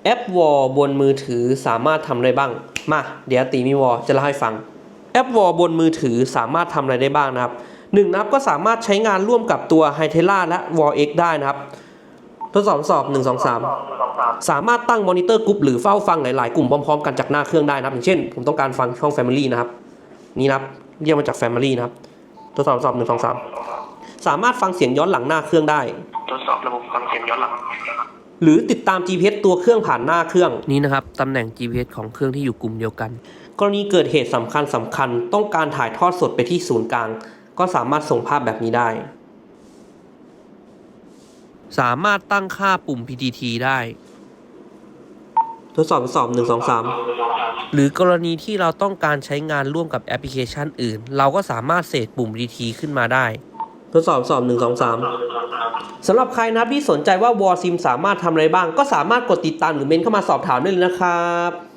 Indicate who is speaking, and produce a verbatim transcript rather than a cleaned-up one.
Speaker 1: แอปวอลบนมือถือสามารถทำอะไรบ้างมาเดี๋ยวตีมีวอลจะเล่าให้ฟังแอปวอลบนมือถือสามารถทำอะไรได้บ้างนะครับหนึ่งนะครับก็สามารถใช้งานร่วมกับตัว Hytera และ วอล เอ็กซ์ ได้นะครับทดสอบสอบหนึ่ง สอง สามสามารถตั้งมอนิเตอร์กรุ๊ปหรือเฝ้าฟังหลายๆกลุ่มพร้อมๆกันจากหน้าเครื่องได้นะครับอย่างเช่นผมต้องการฟังช่อง Family นะครับนี่นะครับเรียกมาจาก Family นะครับทดสอบสอบหนึ่ง สอง สามสามารถฟังเสียงย้อนหลังหน้าเครื่องได้
Speaker 2: ทดสอบระบบฟังเสียงย้อนหลัง
Speaker 1: หรือติดตาม จี พี เอส ตัวเครื่องผ่านหน้าเครื่องนี้นะครับตำแหน่ง จี พี เอส ของเครื่องที่อยู่กลุ่มเดียวกันกรณีเกิดเหตุสำคัญสำคัญต้องการถ่ายทอดสดไปที่ศูนย์กลางก็สามารถส่งภาพแบบนี้ได้สามารถตั้งค่าปุ่ม พี ที ที ได้ทดสอบทดสอบหนึ่ง สอง สามหรือกรณีที่เราต้องการใช้งานร่วมกับแอปพลิเคชันอื่นเราก็สามารถเสกปุ่ม พี ที ที ขึ้นมาได้ทดสอบสอบหนึ่ง สอง สามสำหรับใครนะครับที่สนใจว่าวอลซิมสามารถทำอะไรบ้างก็สามารถกดติดตามหรือเมนเข้ามาสอบถามได้เลยนะครับ